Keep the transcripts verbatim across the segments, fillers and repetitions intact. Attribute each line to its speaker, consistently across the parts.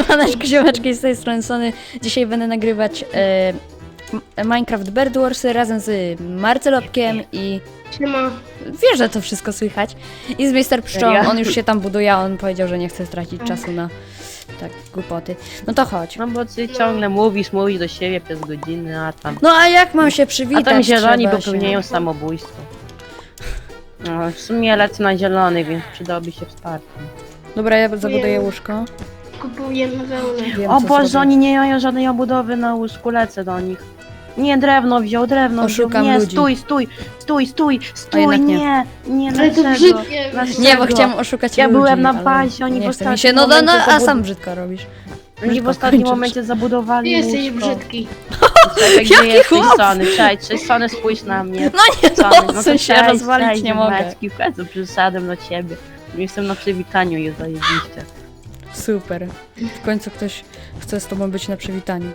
Speaker 1: Siemaneczko, ziomeczki, z tej strony Sony. Dzisiaj będę nagrywać e, Minecraft Bed Warsy razem z Marcelopkiem i...
Speaker 2: Siema.
Speaker 1: Wiesz, że to wszystko słychać. I z mister Pszczołą, on już się tam buduje, a on powiedział, że nie chce stracić czasu na tak głupoty. No to chodź.
Speaker 3: No bo ty ciągle mówisz, mówisz do siebie przez godziny, a tam...
Speaker 1: No a jak mam się przywitać?
Speaker 3: A tam zieloni
Speaker 1: Trzeba
Speaker 3: popełniają
Speaker 1: się...
Speaker 3: samobójstwo. No, w sumie lecę na zielony, więc przydałoby się wsparcie.
Speaker 1: Dobra, ja zabuduję łóżko.
Speaker 2: Kupujemy wełnę.
Speaker 1: Wiem,
Speaker 3: O
Speaker 1: co
Speaker 3: Boże,
Speaker 1: zrobię.
Speaker 3: oni nie mają żadnej obudowy na łóżku, lecę do nich. Nie, drewno wziął, drewno
Speaker 1: Oszukam
Speaker 3: wziął. Nie,
Speaker 1: ludzi.
Speaker 3: stój, stój, stój, stój, stój,
Speaker 1: jednak nie.
Speaker 3: nie, nie,
Speaker 2: Ale to
Speaker 3: dlaczego?
Speaker 2: brzydkie.
Speaker 3: Dlaczego?
Speaker 1: Nie, bo chciałam oszukać
Speaker 3: Ja
Speaker 1: ludzi,
Speaker 3: byłem na
Speaker 1: ale
Speaker 3: bazie, oni
Speaker 1: nie
Speaker 3: w
Speaker 1: chce mi
Speaker 3: ostatnim
Speaker 1: się. No, no, no,
Speaker 3: momencie
Speaker 1: a
Speaker 3: zabud-
Speaker 1: sam brzydko robisz.
Speaker 3: Oni w
Speaker 1: Brzydko
Speaker 3: ostatnim
Speaker 1: kończysz.
Speaker 3: momencie zabudowali
Speaker 2: Ty jesteś
Speaker 3: łóżko.
Speaker 2: brzydki.
Speaker 3: Czekaj, gdzie
Speaker 1: Jaki
Speaker 3: jesteś,
Speaker 1: chłop?
Speaker 3: Sony? Cześć, cześć, Sony, spójrz na mnie.
Speaker 1: No nie,
Speaker 3: Sony,
Speaker 1: no,
Speaker 3: to
Speaker 1: co się
Speaker 3: cześć,
Speaker 1: rozwalić
Speaker 3: cześć,
Speaker 1: nie mogę.
Speaker 3: ziomeczki, w końcu przyszedłem do ciebie. Jestem na przywitaniu i zajebiście.
Speaker 1: Super. W końcu ktoś chce z tobą być na przywitaniu.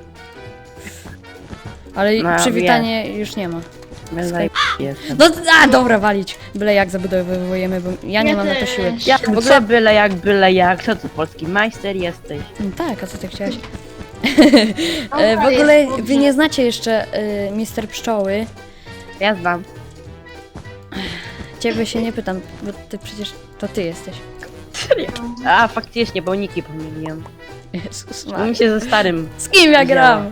Speaker 1: Ale
Speaker 3: No,
Speaker 1: przywitanie już nie ma.
Speaker 3: Ja zajebiście jestem.
Speaker 1: No, a dobra, walić. Byle jak zabudowujemy, bo ja nie
Speaker 2: Ja
Speaker 1: mam na to
Speaker 2: też.
Speaker 1: siły.
Speaker 3: Ja
Speaker 1: W
Speaker 3: w ogóle
Speaker 1: ogóle...
Speaker 3: byle jak, byle jak, to co polski majster jesteś.
Speaker 1: No tak, a co ty chciałeś? E, w ogóle wy nie znacie jeszcze y, mister Pszczoły.
Speaker 3: Ja znam.
Speaker 1: Ciebie się nie pytam, bo ty przecież to ty jesteś.
Speaker 3: A, faktycznie, bo niki pomyliłem.
Speaker 1: Jezus
Speaker 3: No
Speaker 1: Maria.
Speaker 3: mi się ze starym.
Speaker 1: Z kim ja gram?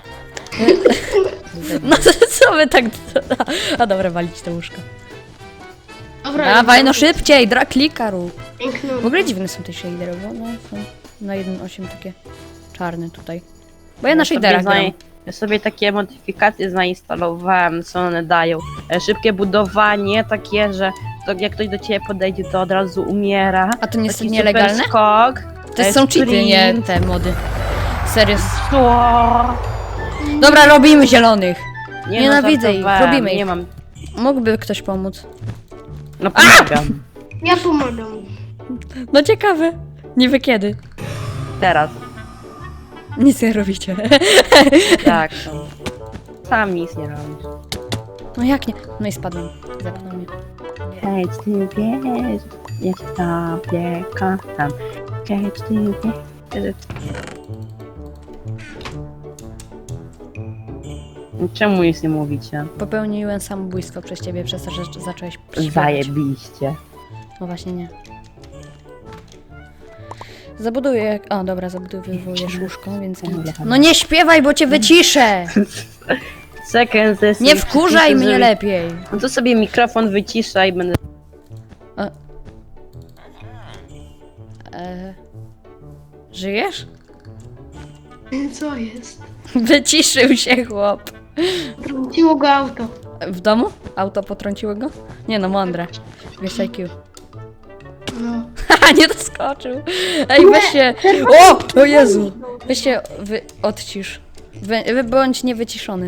Speaker 1: No to co wy tak... A dobra, walić to łóżko.
Speaker 2: Dobra,
Speaker 1: Dawaj, no szybciej, dra klika rób.
Speaker 2: Piękno.
Speaker 1: W ogóle dziwne są te shadery, bo one są na jeden osiem takie czarne tutaj. Bo ja na
Speaker 3: sobie
Speaker 1: shaderach gram.
Speaker 3: zaj- Ja sobie takie modyfikacje zainstalowałem, co one dają. E, Szybkie budowanie, takie, że to jak ktoś do ciebie podejdzie, to od razu umiera.
Speaker 1: A to nie jest
Speaker 3: Taki
Speaker 1: nielegalne?
Speaker 3: super skok.
Speaker 1: To
Speaker 3: e,
Speaker 1: są cheaty, nie
Speaker 3: sprint.
Speaker 1: te mody. Serio.
Speaker 3: Co?
Speaker 1: Dobra, robimy zielonych.
Speaker 3: Nie,
Speaker 1: Nienawidzę
Speaker 3: no,
Speaker 1: ich,
Speaker 3: żartowałem,
Speaker 1: robimy ich.
Speaker 3: Nie mam.
Speaker 1: Mógłby ktoś pomóc.
Speaker 3: No pomagam.
Speaker 2: Ja pomagam.
Speaker 1: No ciekawe. Niby kiedy.
Speaker 3: Teraz.
Speaker 1: Nic nie robicie.
Speaker 3: Tak. No. Sam nic nie robisz.
Speaker 1: No jak nie? No i spadłem. Zepnął mnie.
Speaker 3: Hej, ty wiesz, ja cię tobie kocham. Hej, ty wiesz. Czemu nic nie mówicie?
Speaker 1: Popełniłem samobójstwo przez ciebie, przez to, że zacząłeś śpiewać.
Speaker 3: Zajebiście.
Speaker 1: No właśnie nie. Zabuduję... O, dobra, zabudowujesz łóżko, więc... No nie śpiewaj, bo cię wyciszę!
Speaker 3: Second ze
Speaker 1: Nie wkurzaj mnie lepiej!
Speaker 3: No to sobie mikrofon wycisza i będę...
Speaker 1: E... Żyjesz?
Speaker 2: Co jest?
Speaker 1: Wyciszył się chłop.
Speaker 2: Trąciło go auto.
Speaker 1: W domu? Auto potrąciło go? Nie no, mądre. Wiesz I Q.
Speaker 2: No.
Speaker 1: Haha, nie doskoczył. Ej, weź się... O! O Jezu! Weź się wy... odcisz. Wy... wy- Bądź niewyciszony.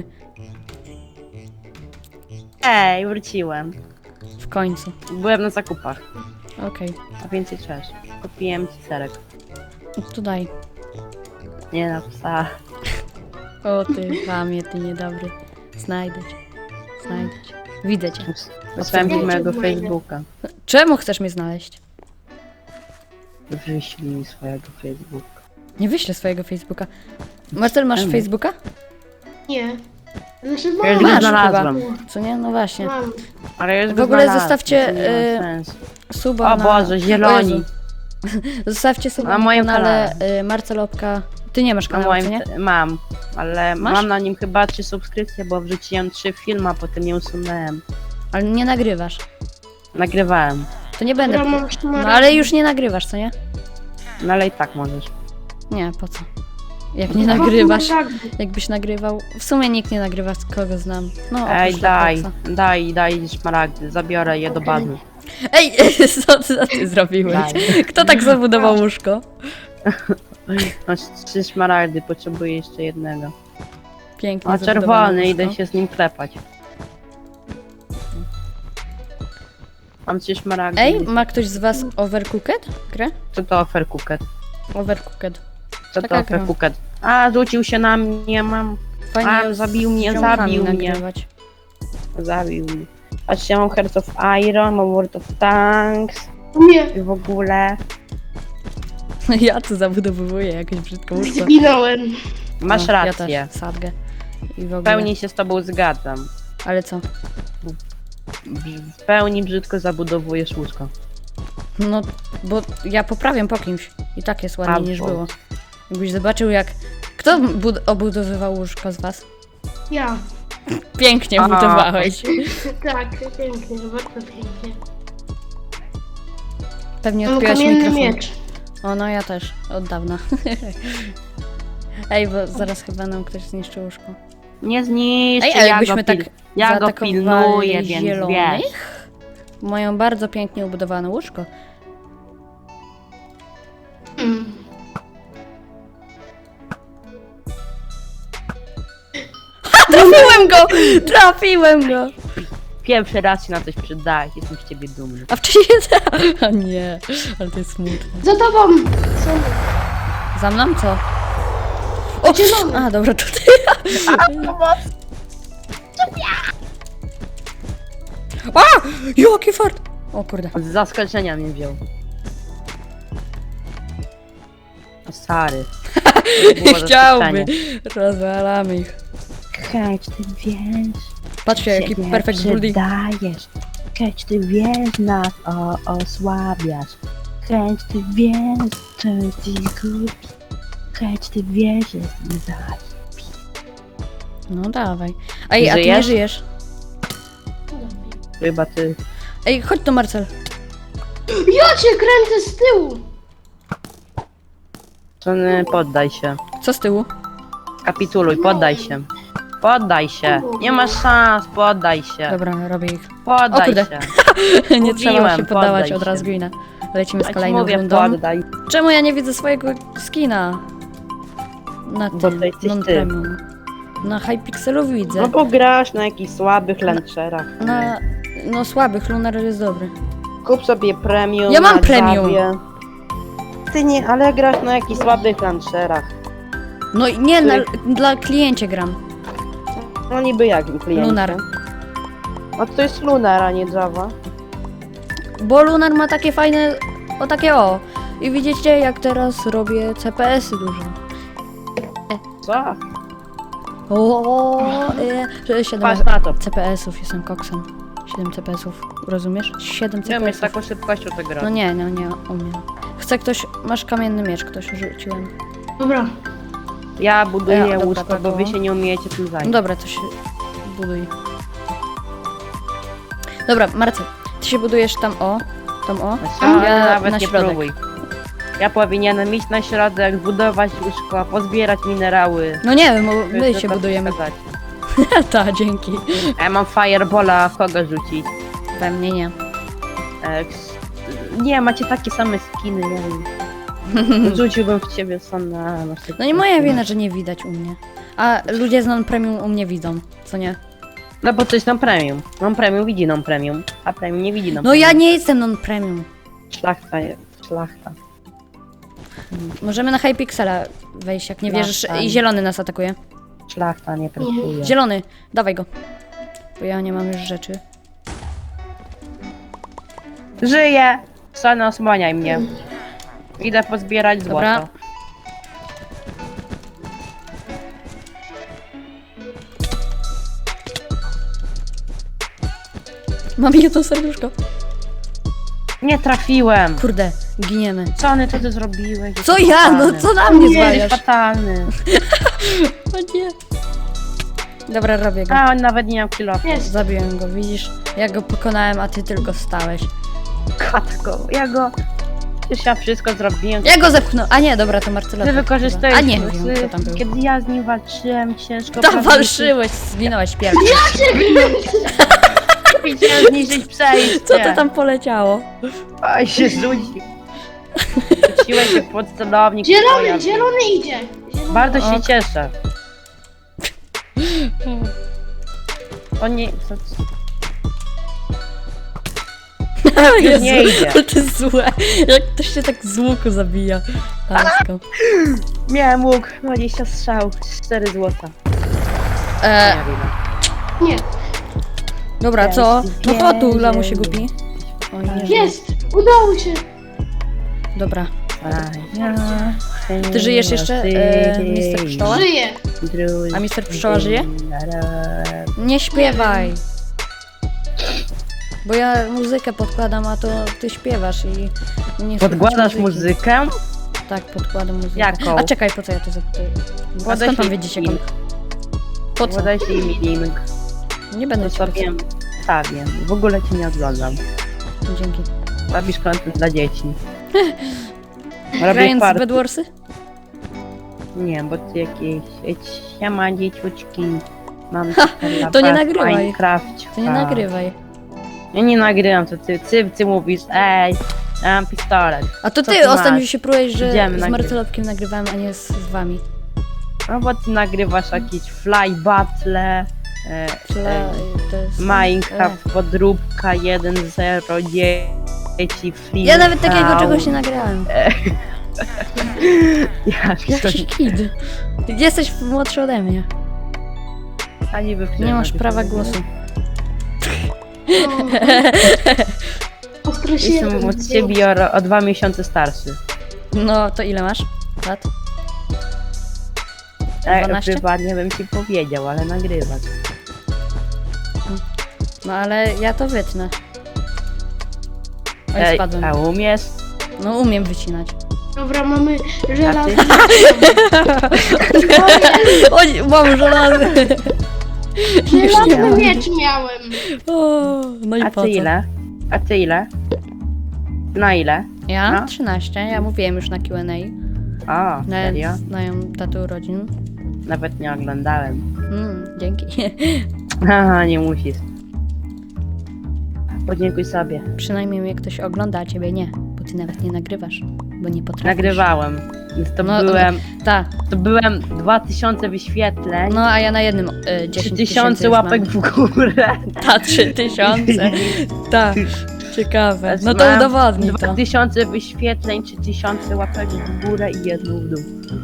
Speaker 3: Ej, wróciłem.
Speaker 1: W końcu.
Speaker 3: Byłem na zakupach,
Speaker 1: Okej.
Speaker 3: a więcej cześć. Kupiłem ci serek.
Speaker 1: Tu daj.
Speaker 3: Nie na psa.
Speaker 1: O ty, chamie, ty niedobry. Znajdę cię. Znajdę cię. Widzę cię.
Speaker 3: Wysłałem ci
Speaker 2: Ja cię
Speaker 3: mojego
Speaker 2: znajdę.
Speaker 3: Facebooka.
Speaker 1: Czemu chcesz mnie znaleźć?
Speaker 3: Wyślij mi swojego Facebooka.
Speaker 1: Nie wyślę swojego Facebooka. Marcel, masz
Speaker 3: Czemu?
Speaker 1: Facebooka?
Speaker 2: Nie. Znaczy
Speaker 3: Ja już
Speaker 2: mam.
Speaker 3: go
Speaker 1: Masz
Speaker 3: znalazłem.
Speaker 1: Co nie? No właśnie.
Speaker 2: Mam.
Speaker 3: Ale już
Speaker 1: W
Speaker 3: go
Speaker 1: ogóle
Speaker 3: znalazłem,
Speaker 1: zostawcie,
Speaker 3: to nie ma
Speaker 1: y,
Speaker 3: sensu.
Speaker 1: Suba
Speaker 3: O
Speaker 1: na...
Speaker 3: Boże,
Speaker 1: O
Speaker 3: zieloni.
Speaker 1: Jezu. Zostawcie suba
Speaker 3: Na
Speaker 1: na
Speaker 3: moim
Speaker 1: kanale y, Marcelopka. Ty nie masz
Speaker 3: Na
Speaker 1: kanału, co
Speaker 3: moim
Speaker 1: nie?
Speaker 3: te- mam, ale
Speaker 1: Masz?
Speaker 3: mam na nim chyba trzy subskrypcje, bo wrzuciłem trzy filmy, a potem je usunąłem.
Speaker 1: Ale nie nagrywasz.
Speaker 3: Nagrywałem,
Speaker 1: To nie będę...
Speaker 2: Dobra, mam
Speaker 1: No
Speaker 2: szmaragd.
Speaker 1: ale już nie nagrywasz, co nie?
Speaker 3: no ale i tak możesz.
Speaker 1: Nie, po co? Jak nie
Speaker 2: Mam
Speaker 1: nagrywasz,
Speaker 2: szmaragdy.
Speaker 1: jakbyś nagrywał... W sumie nikt nie nagrywa, z kogo znam. No,
Speaker 3: Ej,
Speaker 1: oprócz
Speaker 3: daj,
Speaker 1: Lepoxa.
Speaker 3: daj, daj szmaragdy, zabiorę je do
Speaker 2: Okej.
Speaker 3: bazy.
Speaker 1: Ej, co, co ty zrobiłeś?
Speaker 3: Daj.
Speaker 1: Kto tak zabudował łóżko?
Speaker 3: Masz trzy szmaragdy, potrzebuję jeszcze jednego.
Speaker 1: Pięknie
Speaker 3: A
Speaker 1: zabudowane
Speaker 3: czerwony,
Speaker 1: łóżko.
Speaker 3: idę się z nim klepać. Mam trzy szmaragdy.
Speaker 1: Ej, ma ktoś z was Overcooked? Grę?
Speaker 3: Co to Overcooked?
Speaker 1: Overcooked.
Speaker 3: Co to
Speaker 1: Taka gra.
Speaker 3: Overcooked? A, rzucił się na mnie, mam.
Speaker 1: Fajnie
Speaker 3: A,
Speaker 1: z
Speaker 3: zabił mnie,
Speaker 1: ziomkami
Speaker 3: zabił mnie.
Speaker 1: nagrywać.
Speaker 3: Zabił mnie. Patrzcie, mam Hearts of Iron, mam World of Tanks
Speaker 2: Nie.
Speaker 3: i w ogóle.
Speaker 1: Ja tu zabudowuję jakieś brzydką łóżko.
Speaker 2: Zginąłem.
Speaker 3: Masz
Speaker 1: No,
Speaker 3: rację.
Speaker 1: Ja też, sadgę. I w
Speaker 3: W
Speaker 1: ogóle.
Speaker 3: pełni się z tobą zgadzam.
Speaker 1: Ale co?
Speaker 3: W pełni brzydko zabudowujesz łóżko.
Speaker 1: No, bo ja poprawiam po kimś. I tak jest ładniej niż
Speaker 3: Albo.
Speaker 1: było. Jakbyś zobaczył jak... Kto bud- obudowywał łóżko z was?
Speaker 2: Ja.
Speaker 1: Pięknie
Speaker 3: A.
Speaker 1: budowałeś.
Speaker 2: Tak, pięknie, bardzo pięknie.
Speaker 1: Pewnie
Speaker 2: Mam
Speaker 1: odpiłaś
Speaker 2: kamienny
Speaker 1: mikrofon.
Speaker 2: miecz.
Speaker 1: O, no ja też. Od dawna. Ej, bo zaraz chyba nam ktoś zniszczy łóżko.
Speaker 3: Nie zniszczy,
Speaker 1: Ej, ale
Speaker 3: ja
Speaker 1: jakbyśmy
Speaker 3: go,
Speaker 1: tak
Speaker 3: pil- ja go
Speaker 1: zaatakowali
Speaker 3: pilnuję, więc wiesz.
Speaker 1: zielonych, mają bardzo pięknie ubudowane łóżko.
Speaker 2: Mm.
Speaker 1: Trafiłem go! Trafiłem go!
Speaker 3: Pierwszy raz się na coś przydaje, jestem z ciebie dumny.
Speaker 1: A wcześniej... A nie, ale to jest smutne.
Speaker 2: Za tobą! Są...
Speaker 1: Za mną co? O,
Speaker 2: Zielony.
Speaker 1: a dobra, tutaj. A! Jaki fart! O kurde.
Speaker 3: Z zaskoczenia mnie wziął. O, stary. To było
Speaker 1: Chciałby.
Speaker 3: zaskoczenie.
Speaker 1: Rozwalamy ich.
Speaker 3: Hej, czy ty wiesz?
Speaker 1: Patrzcie, jaki
Speaker 3: Się nie
Speaker 1: perfect building.
Speaker 3: przydajesz. Hej, czy ty wiesz, nas o, osłabiasz. Hej, czy ty wiesz, że jesteś głupi. Hej, czy ty wiesz, że jesteś zaś.
Speaker 1: No dawaj. Ej, a ty nie
Speaker 3: Żyjesz?
Speaker 1: żyjesz.
Speaker 3: Chyba ty.
Speaker 1: Ej, chodź tu, Marcel.
Speaker 2: Ja cię kręcę z tyłu!
Speaker 3: Sony, poddaj się.
Speaker 1: Co z tyłu?
Speaker 3: Kapituluj, poddaj się. Poddaj się. Nie masz szans, poddaj się.
Speaker 1: Dobra, robię ich.
Speaker 3: Poddaj
Speaker 1: O kurde.
Speaker 3: się.
Speaker 1: Nie trzeba
Speaker 3: Mówiłem,
Speaker 1: się poddawać
Speaker 3: poddaj
Speaker 1: od razu
Speaker 3: się.
Speaker 1: Gwina. Lecimy z
Speaker 3: Ja ci
Speaker 1: kolejną
Speaker 3: mówię,
Speaker 1: rundą.
Speaker 3: poddaj.
Speaker 1: Czemu ja nie widzę swojego skina? Na
Speaker 3: Bo
Speaker 1: tym,
Speaker 3: to jesteś ty.
Speaker 1: non-premium. Na Hypixelu widzę.
Speaker 3: No bo grasz na jakichś słabych launcherach.
Speaker 1: Na... No słabych, Lunar jest dobry.
Speaker 3: Kup sobie premium.
Speaker 1: Ja mam
Speaker 3: na
Speaker 1: premium.
Speaker 3: Javie. Ty nie, ale grasz na jakichś słabych launcherach.
Speaker 1: No i nie, na,
Speaker 3: Który-
Speaker 1: dla kliencie gram.
Speaker 3: No niby jak kliencie.
Speaker 1: Lunar.
Speaker 3: A to jest Lunar, a nie Java.
Speaker 1: Bo Lunar ma takie fajne, o takie o. I widzicie jak teraz robię C P S-y dużo.
Speaker 3: Co?
Speaker 1: O, e, siedem
Speaker 3: Patrz na to.
Speaker 1: C P S-ów, jestem koksem. siedem C P S-ów, rozumiesz? siedem
Speaker 3: Nie umiesz
Speaker 1: C P
Speaker 3: taką
Speaker 1: S-ów.
Speaker 3: szybkością to grać.
Speaker 1: No nie, no nie umiem. Chce ktoś, masz kamienny miecz, ktoś rzuciłem.
Speaker 2: Dobra.
Speaker 3: Ja buduję
Speaker 1: Ja, dobra,
Speaker 3: łóżko,
Speaker 1: tak
Speaker 3: bo wy
Speaker 1: było.
Speaker 3: się nie umiecie tym
Speaker 1: No
Speaker 3: zająć.
Speaker 1: dobra, to się buduj. Dobra, Marcel, ty się budujesz tam o, tam o,
Speaker 3: Znaczy,
Speaker 1: a
Speaker 3: ja
Speaker 1: ja
Speaker 3: nawet
Speaker 1: na
Speaker 3: nie
Speaker 1: środek.
Speaker 3: próbuj. Ja powinienem iść na środek, budować łóżko, pozbierać minerały.
Speaker 1: No nie wiem, bo my
Speaker 3: Żeby
Speaker 1: się
Speaker 3: to
Speaker 1: budujemy.
Speaker 3: przekazać.
Speaker 1: Ta, dzięki.
Speaker 3: A ja mam firebola, w kogo rzucić?
Speaker 1: We mnie nie.
Speaker 3: E, ks- nie, macie takie same skiny, ja wiem. Rzuciłbym w ciebie Sona. masz takie
Speaker 1: No nie moja
Speaker 3: skiny.
Speaker 1: wina, że nie widać u mnie. A ludzie z non-premium u mnie widzą, co nie?
Speaker 3: No bo to jest non-premium. Non-premium widzi non-premium, a premium nie widzi
Speaker 1: No
Speaker 3: non-premium.
Speaker 1: ja nie jestem non-premium.
Speaker 3: Szlachta jest, szlachta.
Speaker 1: Możemy na Hypixela wejść, jak nie
Speaker 3: Tak,
Speaker 1: wierzysz.
Speaker 3: tak.
Speaker 1: I zielony nas atakuje.
Speaker 3: Szlachta nie pracuje.
Speaker 1: Zielony, dawaj go. Bo ja nie mam już rzeczy.
Speaker 3: Żyję! Sona, osłaniaj mnie. Idę pozbierać złoto.
Speaker 1: Dobra. Mam jedno serduszko.
Speaker 3: Nie trafiłem!
Speaker 1: Kurde, giniemy.
Speaker 3: Sony, co ty zrobiłeś?
Speaker 1: Co
Speaker 3: Jesteś
Speaker 1: ja? No
Speaker 3: fatalny.
Speaker 1: co na mnie
Speaker 3: Nie, jesteś
Speaker 1: zwalasz?
Speaker 3: fatalny.
Speaker 1: O nie. Dobra, robię go.
Speaker 3: A, on nawet nie miał kilofu.
Speaker 2: Jest.
Speaker 1: Zabiłem go, widzisz? Ja go pokonałem, a ty tylko stałeś.
Speaker 3: Katko, ja go... Przecież ja wszystko zrobiłem.
Speaker 1: Ja go zepchnąłem. A nie, dobra, to Marcela.
Speaker 3: Ty
Speaker 1: to
Speaker 3: wykorzystujesz
Speaker 1: chyba. A nie
Speaker 3: czasy,
Speaker 1: wiem, kto tam był.
Speaker 3: kiedy ja z nim walczyłem ciężko.
Speaker 1: To
Speaker 3: prawda,
Speaker 1: walczyłeś, zginąłeś pierwszy.
Speaker 3: Chciałem zniszczyć przejście.
Speaker 1: Co to tam poleciało?
Speaker 3: Oj, się rzuci. Rzuciłeś się pod celownik.
Speaker 2: Zielony,
Speaker 3: Oja,
Speaker 2: zielony idzie. Zielony.
Speaker 3: Bardzo się
Speaker 1: Ok.
Speaker 3: cieszę. O nie, co, co?
Speaker 1: Jezu,
Speaker 3: nie idzie.
Speaker 1: ale to jest złe. Jak ktoś się tak z łuku zabija. Lasko.
Speaker 3: Miałem łuk, dwadzieścia strzał, cztery złota.
Speaker 1: E,
Speaker 3: Nie wiem.
Speaker 2: Nie.
Speaker 1: dobra, co? No chodź tu,
Speaker 3: Wierzę.
Speaker 1: lamusie głupi. Oj, nie żyje.
Speaker 2: Jest. Udało się.
Speaker 1: Dobra. Ty żyjesz jeszcze, e, mister Pszczoła?
Speaker 2: Żyję.
Speaker 1: A mister Pszczoła żyje? Nie śpiewaj! Bo ja muzykę podkładam, a to ty śpiewasz i nie słychać
Speaker 3: Podkładasz
Speaker 1: muzyki.
Speaker 3: muzykę?
Speaker 1: Tak, podkładam muzykę.
Speaker 3: Jaką?
Speaker 1: A czekaj, po co ja to zapytuję? A
Speaker 3: Podaj
Speaker 1: skąd tam
Speaker 3: się
Speaker 1: wiedziecie?
Speaker 3: link.
Speaker 1: Kom... Po co?
Speaker 3: Podaj się im link.
Speaker 1: Nie będę
Speaker 3: To
Speaker 1: ci
Speaker 3: sobie wstawię. W ogóle cię nie oglądam.
Speaker 1: pytać. Dzięki.
Speaker 3: Robisz content dla dzieci. Robię
Speaker 1: Grając
Speaker 3: par...
Speaker 1: w Bedwarsy?
Speaker 3: Nie, bo ty jakieś... Siema dzieciuczki. Mam super
Speaker 1: to nie
Speaker 3: laptop w
Speaker 1: nagrywaj.
Speaker 3: Minecrafcie.
Speaker 1: To nie nagrywaj.
Speaker 3: Ja nie nagrywam, to ty, ty, ty mówisz, ej, ja mam pistolet.
Speaker 1: A to
Speaker 3: Co
Speaker 1: ty
Speaker 3: ty
Speaker 1: ostatnio
Speaker 3: masz?
Speaker 1: się próbujesz, że
Speaker 3: Idziemy
Speaker 1: z
Speaker 3: nagrywać.
Speaker 1: Marcelotkiem nagrywałem, a nie z, z wami.
Speaker 3: No bo ty nagrywasz jakieś fly battle, e,
Speaker 1: Tyle,
Speaker 3: e,
Speaker 1: to jest...
Speaker 3: Minecraft, podróbka jeden zero, dzieci, free.
Speaker 1: Ja nawet takiego czegoś nie nagrałem.
Speaker 3: Jak
Speaker 1: Jaki kid. Jesteś młodszy ode mnie.
Speaker 3: A niby
Speaker 1: Nie masz prawa głosu.
Speaker 2: Ostro się
Speaker 3: Jestem od ciebie o, o dwa miesiące starszy.
Speaker 1: No, to ile masz lat?
Speaker 3: Tak,
Speaker 1: dwanaście?
Speaker 3: prywatnie bym ci powiedział, ale nagrywać.
Speaker 1: No ale ja to wytnę. Oj,
Speaker 3: Ej,
Speaker 1: spadłem.
Speaker 3: a umiesz?
Speaker 1: No umiem wycinać.
Speaker 2: Dobra, mamy
Speaker 3: A
Speaker 2: żelazny.
Speaker 3: ty?
Speaker 1: Oj, mam żelazy.
Speaker 2: Żelazny miecz miałem.
Speaker 1: O, no i
Speaker 3: A
Speaker 1: po
Speaker 3: ty
Speaker 1: co?
Speaker 3: ile? A ty ile? Na ile?
Speaker 1: Ja?
Speaker 3: No.
Speaker 1: trzynaście. Ja mówiłem już na Q and A.
Speaker 3: O, serio?
Speaker 1: Nawet znają datę urodzin.
Speaker 3: Nawet nie oglądałem.
Speaker 1: Mm, dzięki.
Speaker 3: Haha, nie musisz. Podziękuj sobie.
Speaker 1: Przynajmniej mnie ktoś ogląda, a ciebie nie. Bo ty nawet nie nagrywasz. Bo nie potrafisz.
Speaker 3: Nagrywałem. Więc to
Speaker 1: No,
Speaker 3: byłem.
Speaker 1: Tak.
Speaker 3: To byłem dwa tysiące wyświetleń.
Speaker 1: No a ja na jednym y,
Speaker 3: trzy
Speaker 1: dziesięć
Speaker 3: tysiące łapek w górę.
Speaker 1: Ta, trzy tysiące. Tak. Ciekawe. No to
Speaker 3: Mam
Speaker 1: udowodnij
Speaker 3: dwa
Speaker 1: to.
Speaker 3: tysiące wyświetleń, trzy tysiące łapek w górę i jedną w dół.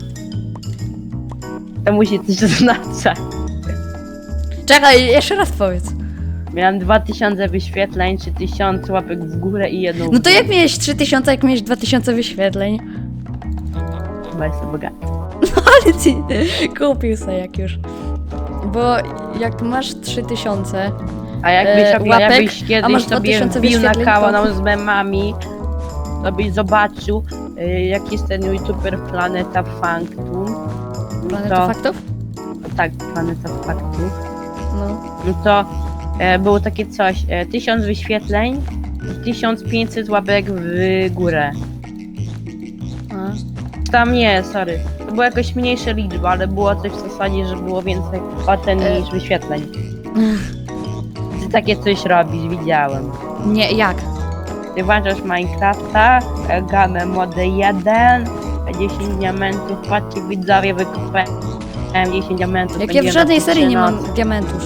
Speaker 3: To musi coś znaczyć.
Speaker 1: Czekaj, jeszcze raz powiedz.
Speaker 3: Miałem dwa tysiące wyświetleń, trzy tysiące łapek w górę i jedną w
Speaker 1: No to
Speaker 3: dół.
Speaker 1: jak miałeś trzy tysiące, jak miałeś dwa tysiące wyświetleń?
Speaker 3: Chyba jestem bogaty.
Speaker 1: Ale ci kupił sobie jak już. Bo jak masz trzy tysiące,
Speaker 3: A jakbyś,
Speaker 1: E,
Speaker 3: sobie,
Speaker 1: łapek,
Speaker 3: jakbyś
Speaker 1: a
Speaker 3: kiedyś
Speaker 1: masz
Speaker 3: sobie
Speaker 1: 2000
Speaker 3: wbił na
Speaker 1: wyświetleń,
Speaker 3: kanał
Speaker 1: to-
Speaker 3: z memami, to byś zobaczył, y, jaki jest ten youtuber Planeta Fanctum.
Speaker 1: Planeta
Speaker 3: to,
Speaker 1: Faktów?
Speaker 3: Tak, Planeta Faktów.
Speaker 1: No.
Speaker 3: No to e, było takie coś, e, tysiąc wyświetleń i tysiąc pięćset łapek w górę.
Speaker 1: A.
Speaker 3: Tam nie, sorry. To była jakoś mniejsza liczba, ale było coś w zasadzie, że było więcej ocen
Speaker 1: E.
Speaker 3: niż wyświetleń. Ty takie coś robisz, widziałem.
Speaker 1: Nie, jak?
Speaker 3: Ty włączasz Minecrafta, e, gamę mody jeden, dziesięć diamentów, patrzcie widzowie, wykupałem dziesięć diamentów.
Speaker 1: Jak ja w
Speaker 3: będzie
Speaker 1: żadnej
Speaker 3: na
Speaker 1: serii nie
Speaker 3: nocy.
Speaker 1: mam diamentów.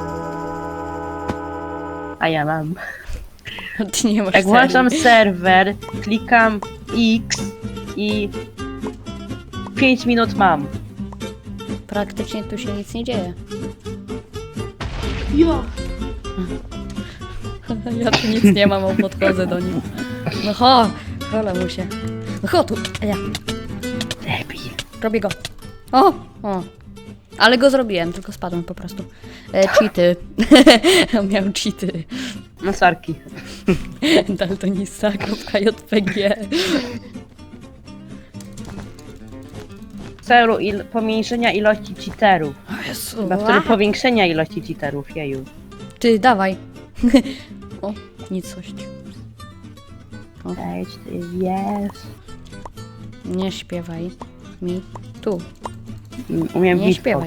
Speaker 3: A ja mam.
Speaker 1: Ty nie masz
Speaker 3: Jak
Speaker 1: serii.
Speaker 3: włączam serwer, klikam X i pięć minut mam.
Speaker 1: Praktycznie tu się nic nie dzieje.
Speaker 2: Jo.
Speaker 1: Ja tu nic nie mam, a podchodzę do nim. No ho, cholę mu się. No ho tu, a ja
Speaker 3: Debil.
Speaker 1: robię go. O, o. Ale go zrobiłem, tylko spadłem po prostu. E, cheaty. Miał cheaty.
Speaker 3: No sorki.
Speaker 1: Daltonista.jpg.
Speaker 3: W celu il pomniejszenia ilości cheaterów.
Speaker 1: O Jezu,
Speaker 3: Chyba w celu powiększenia ilości cheaterów, jeju.
Speaker 1: Ty, dawaj. O, nicość.
Speaker 3: Cześć, ty wiesz.
Speaker 1: Nie śpiewaj mi tu.
Speaker 3: Umiem
Speaker 1: Nie
Speaker 3: beatbox.
Speaker 1: śpiewaj.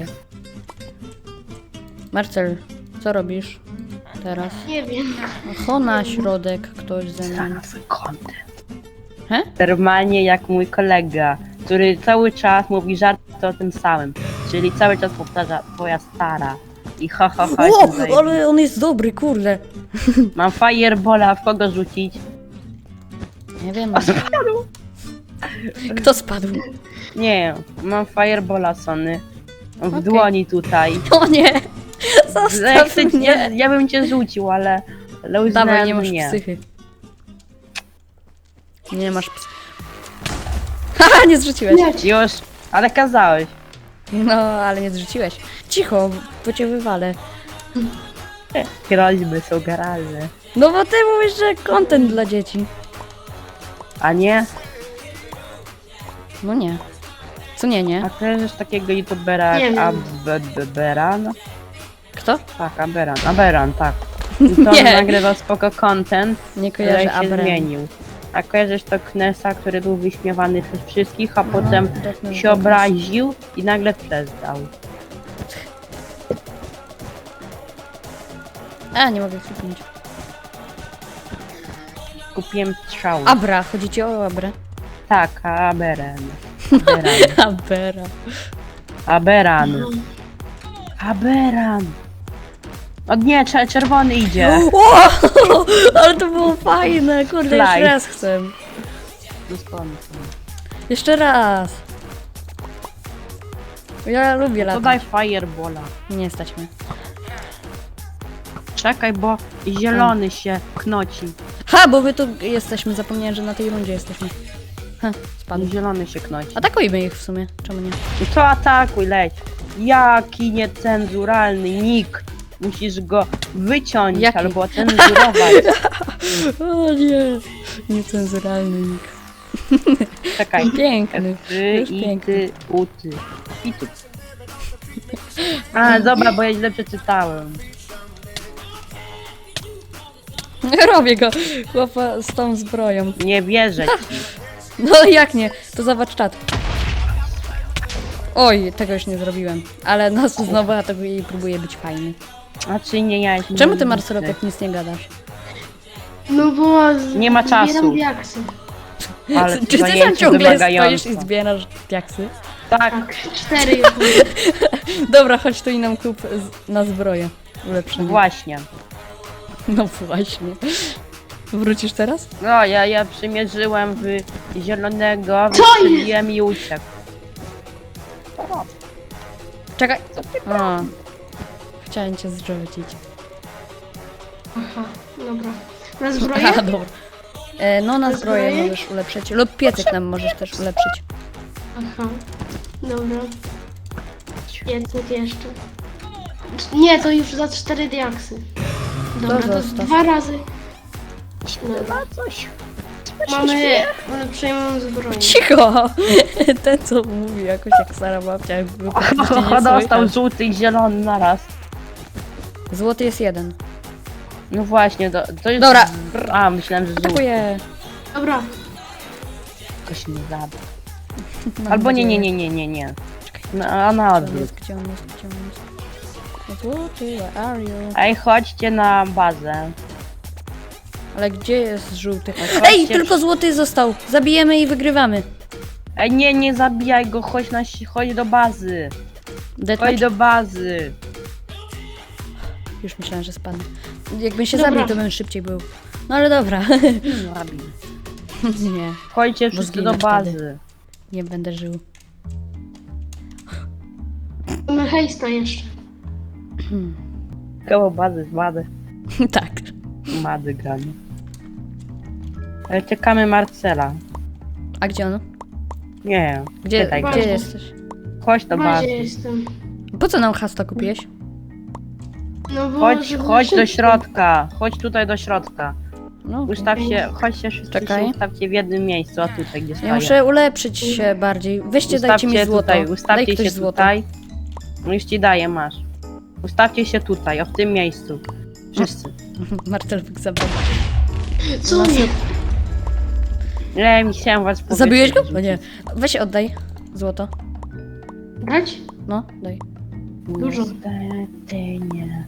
Speaker 1: Marcel, co robisz teraz?
Speaker 2: Nie wiem.
Speaker 1: Cho na środek ktoś ze mną.
Speaker 3: Znalazł kontent.
Speaker 1: He?
Speaker 3: Normalnie jak mój kolega, który cały czas mówi żarty o tym samym. Czyli cały czas powtarza twoja stara. I ha ha ha. jestem
Speaker 1: O,
Speaker 3: zajebisty.
Speaker 1: ale on jest dobry, kurde.
Speaker 3: Mam firebola, w kogo rzucić?
Speaker 1: Nie wiem.
Speaker 3: O, spadł.
Speaker 1: Kto spadł?
Speaker 3: Nie, mam firebola, Sony. W
Speaker 1: Okej.
Speaker 3: dłoni tutaj.
Speaker 1: O nie!
Speaker 3: Ja,
Speaker 1: Zostaw
Speaker 3: chcę, ja,
Speaker 1: mnie!
Speaker 3: ja bym cię rzucił, ale... ale uznałem,
Speaker 1: Dawaj, nie masz
Speaker 3: nie.
Speaker 1: psychy. Nie masz psy. Haha, nie zrzuciłeś.
Speaker 2: Leć.
Speaker 3: Już, ale kazałeś.
Speaker 1: No, ale nie zrzuciłeś. Cicho, bo cię wywalę.
Speaker 3: Groźby są garalne.
Speaker 1: No bo ty mówisz, że content dla dzieci.
Speaker 3: A nie?
Speaker 1: No nie. Co nie,
Speaker 3: A
Speaker 1: nie?
Speaker 3: kojarzysz takiego youtubera
Speaker 2: Nie
Speaker 3: jak
Speaker 2: wiem.
Speaker 3: Aberan?
Speaker 1: Kto?
Speaker 3: Tak, Aberan, Aberan, tak. I to on
Speaker 1: Nie.
Speaker 3: nagrywał spoko content,
Speaker 1: Nie
Speaker 3: ale
Speaker 1: kojarzę
Speaker 3: się
Speaker 1: Abraham.
Speaker 3: zmienił. A kojarzysz to Knesa, który był wyśmiewany przez wszystkich, a potem
Speaker 1: Death
Speaker 3: się obraził i nagle przestał.
Speaker 1: A, nie mogę kliknąć.
Speaker 3: Kupiłem strzał.
Speaker 1: Abra, chodzi ci o Abrę?
Speaker 3: Tak, Aberan. Aberan.
Speaker 1: Abera.
Speaker 3: Aberan. Aberan. O nie, czer- czerwony idzie.
Speaker 1: O, ale to było fajne, kurde, jeszcze
Speaker 3: Slide.
Speaker 1: raz chcę.
Speaker 3: Doskonale.
Speaker 1: Jeszcze raz. Ja lubię
Speaker 3: To
Speaker 1: latać.
Speaker 3: daj fireballa.
Speaker 1: Nie stać mnie.
Speaker 3: Czekaj, bo zielony się knoci.
Speaker 1: Ha, bo my tu jesteśmy, zapomniałem, że na tej rundzie jesteśmy. Ha, spadł.
Speaker 3: Zielony się knoci.
Speaker 1: Atakujmy ich w sumie, czemu nie?
Speaker 3: I to atakuj, leć. Jaki niecenzuralny nick. Musisz go wyciąć
Speaker 1: Jaki?
Speaker 3: albo cenzurować.
Speaker 1: O nie, niecenzuralny nick.
Speaker 3: Czekaj.
Speaker 1: Piękny,
Speaker 3: Ty
Speaker 1: już
Speaker 3: i
Speaker 1: piękny.
Speaker 3: ty, u ty. I tu. A, dobra, bo ja źle przeczytałem.
Speaker 1: Robię go, chłopa z tą zbroją.
Speaker 3: Nie wierzę ci.
Speaker 1: No jak nie, to zobacz czat. Oj, tego już nie zrobiłem, ale nas znowu atakuje i próbuje być fajny.
Speaker 3: A czy nie ja jestem
Speaker 1: Czemu ty,
Speaker 3: niewidny?
Speaker 1: Marcelo, tak nic nie gadasz?
Speaker 2: No bo... z-
Speaker 3: Nie ma czasu.
Speaker 2: Zbieram diaksy.
Speaker 3: Ale
Speaker 1: Czy ty tam
Speaker 3: zajęcie
Speaker 1: ciągle
Speaker 3: wymagające.
Speaker 1: stoisz i zbierasz diaksy?
Speaker 3: Tak,
Speaker 2: Tak, cztery już mam.
Speaker 1: Dobra, chodź tu i nam kup z- na zbroję. Ulepszenie.
Speaker 3: właśnie.
Speaker 1: No właśnie. Wrócisz teraz?
Speaker 3: No, ja, ja przymierzyłem w zielonego,
Speaker 2: Co
Speaker 3: wystrzeliłem i uciekł.
Speaker 1: Czekaj. A. Chciałem cię zrzucić.
Speaker 2: Aha, dobra. Na zbroję?
Speaker 1: Aha, dobra. E, no na
Speaker 2: Na
Speaker 1: zbroję
Speaker 2: zbroję?
Speaker 1: możesz ulepszyć. Lub piecyk nam możesz też ulepszyć.
Speaker 2: Aha, dobra. Pięćset jeszcze. Nie, to już za cztery diaksy. Dobra,
Speaker 1: To
Speaker 2: to
Speaker 1: zostaw.
Speaker 2: dwa razy. Dobra.
Speaker 3: coś.
Speaker 2: Mamy ulepszoną zbroję.
Speaker 1: Cicho! Ten co mówi jakoś jak Sara babcia. jakby po prostu nie
Speaker 3: Dostał
Speaker 1: słychać.
Speaker 3: żółty i zielony naraz.
Speaker 1: Złoty jest jeden.
Speaker 3: No właśnie, to, to jest...
Speaker 1: Dobra.
Speaker 3: A, myślałem, że żółty.
Speaker 1: Atakuję.
Speaker 2: Dobra,
Speaker 3: Ktoś nie zabił.
Speaker 1: Mam
Speaker 3: Albo nie, nie,
Speaker 1: nadzieję.
Speaker 3: nie, nie, nie, nie. No, a na
Speaker 1: Gdzie on
Speaker 3: odwrót.
Speaker 1: jest, gdzie on jest, gdzie on jest? Złoty, where are you?
Speaker 3: Ej, chodźcie na bazę.
Speaker 1: Ale gdzie jest żółty?
Speaker 3: chodźcie
Speaker 1: Ej,
Speaker 3: w-
Speaker 1: tylko złoty został. Zabijemy i wygrywamy.
Speaker 3: Ej, nie, nie zabijaj go, chodź, na, si- chodź do bazy. Chodź
Speaker 1: Deathmatch?
Speaker 3: do bazy.
Speaker 1: Już myślałem, że spadnę. Jakbym się
Speaker 2: Dobra.
Speaker 1: zabił, to bym szybciej był. No ale dobra.
Speaker 3: Zabił.
Speaker 1: Nie,
Speaker 3: Chodźcie
Speaker 1: Bo
Speaker 3: wszyscy
Speaker 1: zginę
Speaker 3: do bazy.
Speaker 1: nie będę żył.
Speaker 2: mamy hejsta jeszcze.
Speaker 3: Koło bazy, z bazy.
Speaker 1: Tak.
Speaker 3: Mady gramy. Ale czekamy Marcela.
Speaker 1: A gdzie on?
Speaker 3: Nie,
Speaker 1: Gdzie,
Speaker 3: pytaj go.
Speaker 1: gdzie
Speaker 2: Bazie.
Speaker 1: jesteś?
Speaker 3: Chodź do
Speaker 2: W
Speaker 3: bazy.
Speaker 2: bazie jestem.
Speaker 1: Po co nam hasta kupiłeś?
Speaker 2: No bo...
Speaker 3: Chodź,
Speaker 2: żeby
Speaker 3: chodź do
Speaker 2: szybko.
Speaker 3: środka. Chodź tutaj do środka.
Speaker 1: No, okej.
Speaker 3: Ustaw się, chodźcie wszyscy
Speaker 1: Czekaj.
Speaker 3: się ustawcie w jednym miejscu, a tutaj gdzie
Speaker 1: Ja
Speaker 3: stoję.
Speaker 1: muszę ulepszyć się bardziej. Weźcie, dajcie mi
Speaker 3: Ustawcie
Speaker 1: złoto.
Speaker 3: tutaj,
Speaker 1: Daj
Speaker 3: ustawcie
Speaker 1: ktoś
Speaker 3: się
Speaker 1: złoto.
Speaker 3: tutaj. No już ci daję, masz. Ustawcie się tutaj, o w tym miejscu. Wszyscy.
Speaker 1: Martelwik zabrał.
Speaker 2: Co
Speaker 1: No,
Speaker 2: nie?
Speaker 3: Nie, mi chciałem was powiedzieć.
Speaker 1: Zabiłeś go? O nie. Weź oddaj złoto.
Speaker 2: Brać?
Speaker 1: No, daj.
Speaker 2: Dużo.
Speaker 3: Niestety nie.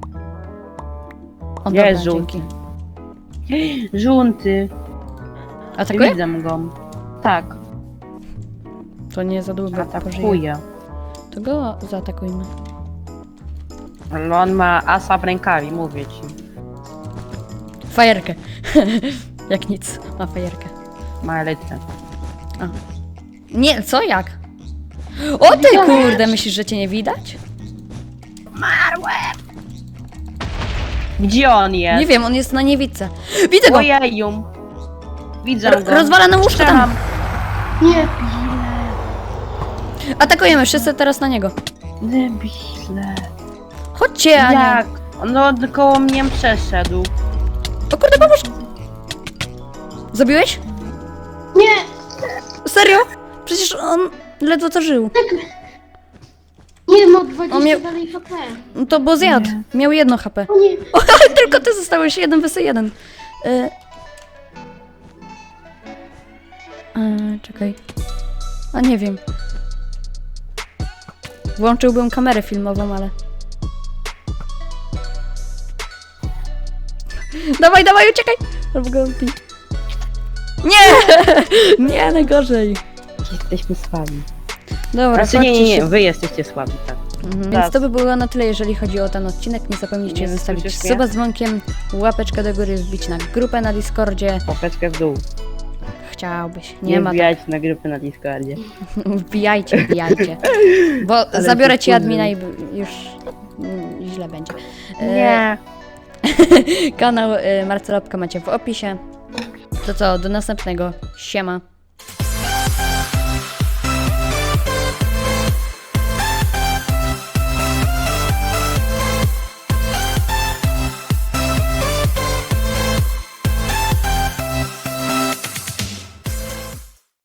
Speaker 1: O,
Speaker 3: Jest
Speaker 1: dobra,
Speaker 3: żółty.
Speaker 1: dzięki.
Speaker 3: Żółty.
Speaker 1: Atakuje?
Speaker 3: Widzę go. Tak,
Speaker 1: To nie za długo pożyje.
Speaker 3: atakuje.
Speaker 1: To go zaatakujmy.
Speaker 3: Ale on ma asa w rękawie, mówię ci.
Speaker 1: Fajerkę. Jak nic, ma fajerkę.
Speaker 3: Ma elytrę.
Speaker 1: Nie, co jak? O ty kurde, myślisz, że cię nie widać?
Speaker 3: Gdzie on jest?
Speaker 1: Nie wiem, on jest na niewidce. Widzę go!
Speaker 3: Ojeju. Widzę
Speaker 1: Ro-
Speaker 3: go.
Speaker 1: rozwala nam łóżko tam!
Speaker 3: Strzelam.
Speaker 2: Nie.
Speaker 1: Atakujemy wszyscy teraz na niego.
Speaker 3: Debile.
Speaker 1: Chodźcie, a nie.
Speaker 3: Jak? No koło mnie przeszedł.
Speaker 1: O kurde, pomóż! Zabiłeś?
Speaker 2: Nie.
Speaker 1: Serio? Przecież on ledwo co żył.
Speaker 2: Nie, ma dwadzieścia
Speaker 1: On miał-
Speaker 2: dalej H P.
Speaker 1: No to bo zjadł.
Speaker 3: Nie.
Speaker 1: Miał jedno H P.
Speaker 2: O nie.
Speaker 1: O, ale tylko ty zostałeś jeden wysy jeden. Y... Y, czekaj. A nie wiem. Włączyłbym kamerę filmową, ale... Dawaj, dawaj, uciekaj! Albo go bij. Nie! Nie, najgorzej.
Speaker 3: Jesteśmy słabi.
Speaker 1: Dobra,
Speaker 3: Znaczy nie, nie,
Speaker 1: chodźcie
Speaker 3: nie,
Speaker 1: się-
Speaker 3: wy jesteście słabi, tak.
Speaker 1: Mhm,
Speaker 3: Tak.
Speaker 1: więc to by było na tyle, jeżeli chodzi o ten odcinek. Nie zapomnijcie
Speaker 3: Nie
Speaker 1: zostawić
Speaker 3: słyszysz mnie?
Speaker 1: suba z dzwonkiem, łapeczkę do góry, wbić na grupę na Discordzie.
Speaker 3: Popeczkę w dół.
Speaker 1: Chciałbyś.
Speaker 3: Nie,
Speaker 1: Nie, ma tak.
Speaker 3: wbijać na grupy na Discordzie.
Speaker 1: Wbijajcie, wbijajcie. Bo
Speaker 3: Ale
Speaker 1: zabiorę
Speaker 3: się
Speaker 1: ci admina i
Speaker 3: wkurzy.
Speaker 1: b- już mm, źle będzie. E,
Speaker 3: Nie.
Speaker 1: Kanał y, Marcelopka macie w opisie. To co, do następnego. Siema.